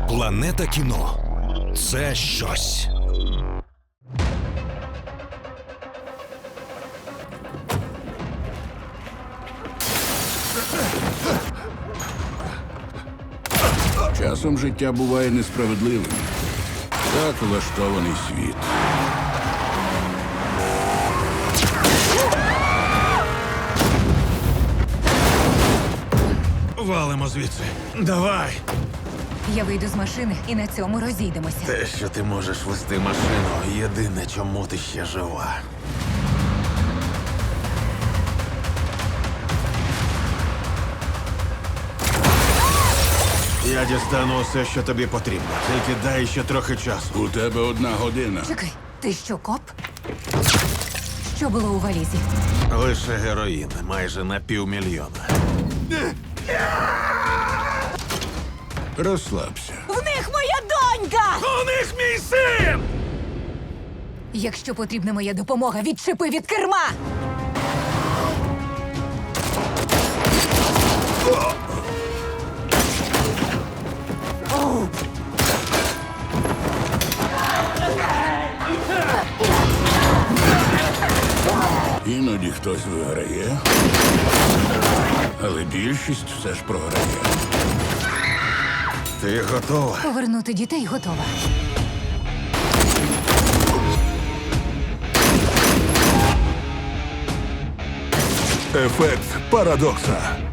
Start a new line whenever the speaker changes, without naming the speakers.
Планета кіно – це щось.
Часом життя буває несправедливим. Так влаштований світ.
Валимо звідси. Давай!
Я вийду з машини і на цьому розійдемося.
Те, що ти можеш вести машину, єдине, чому ти ще жива. Я дістану усе, що тобі потрібно. Тільки дай ще трохи часу.
У тебе 1 година.
Чекай, ти що, коп? Що було у валізі?
Лише героїн, майже на 500 000.
Розслабся.
В них моя донька!
У них мій син!
Якщо потрібна моя допомога, відчепи від керма!
Іноді хтось виграє, але більшість все ж програє.
Ти готова?
Повернути дітей готова.
Ефект парадокса.